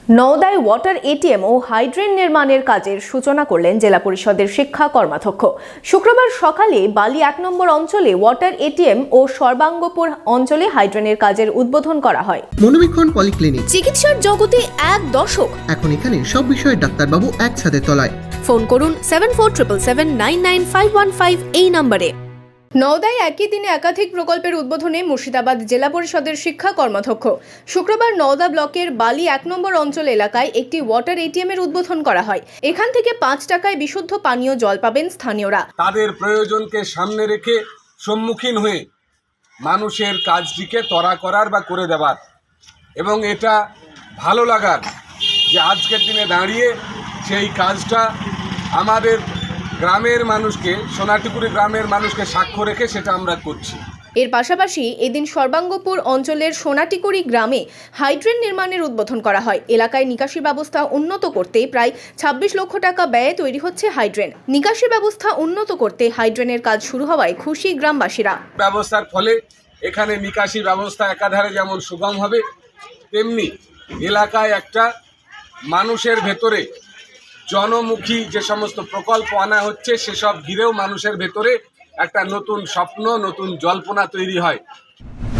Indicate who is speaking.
Speaker 1: নওদায় water ATM ও হাইড্রেন নির্মাণের কাজের সূচনা করলেন জেলা পরিষদের শিক্ষা কর্মাধ্যক্ষ। শুক্রবার সকালে বালি ১ নম্বর অঞ্চলে ওয়াটার এটিএম ও সর্বাঙ্গপুর অঞ্চলে হাইড্রেনের কাজের উদ্বোধন করা হয়।
Speaker 2: মনোবীক্ষণ পলিক্লিনিক,
Speaker 1: চিকিৎসার জগতে এক দশক।
Speaker 2: এখন এখানে সব বিষয়ে ডাক্তারবাবু একসাথে তলায়।
Speaker 1: ফোন করুন 7477799515 এই নম্বরে। নওদায় একই দিনে একাধিক প্রকল্পের উদ্বোধনে মুর্শিদাবাদ জেলা পরিষদের শিক্ষা কর্মাধ্যক্ষ। শুক্রবার নওদা ব্লকের বালি ১ নম্বর অঞ্চল এলাকায় একটি ওয়াটার এটিএম এর উদ্বোধন করা হয়। এখান থেকে ৫ টাকায় বিশুদ্ধ পানীয় জল পাবেন স্থানীয়রা।
Speaker 3: তাদের প্রয়োজনকে সামনে রেখে সম্মুখীন হয়ে মানুষের কাজটিকে ত্বরা করার বা করে দেওয়ার, এবং এটা ভালো লাগার যে আজকের দিনে দাঁড়িয়ে সেই কাজটা আমাদের গ্রামের মানুষকে, সোনাটিকুড়ি গ্রামের মানুষকে সাক্ষ্য রেখে সেটা আমরা করছি।
Speaker 1: এর পাশাপাশি এদিন সর্বাঙ্গপুর অঞ্চলের সোনাটিকুড়ি গ্রামে হাইড্রেন নির্মাণের উদ্বোধন করা হয়। এলাকায় নিকাশি ব্যবস্থা উন্নত করতে প্রায় ২৬ লক্ষ টাকা ব্যয়ে তৈরি হচ্ছে হাইড্রেন। নিকাশি ব্যবস্থা উন্নত করতে হাইড্রেনের কাজ শুরু হওয়ায় খুশি গ্রামবাসীরা।
Speaker 3: ব্যবস্থার ফলে এখানে নিকাশি ব্যবস্থা একাধারে যেমন সুগম হবে, তেমনি এলাকায় একটা মানুষের ভেতরে জনমুখী যে সমস্ত প্রকল্প আনা হচ্ছে সেসব ঘিরেও মানুষের ভেতরে একটা নতুন স্বপ্ন, নতুন জল্পনা তৈরি হয়।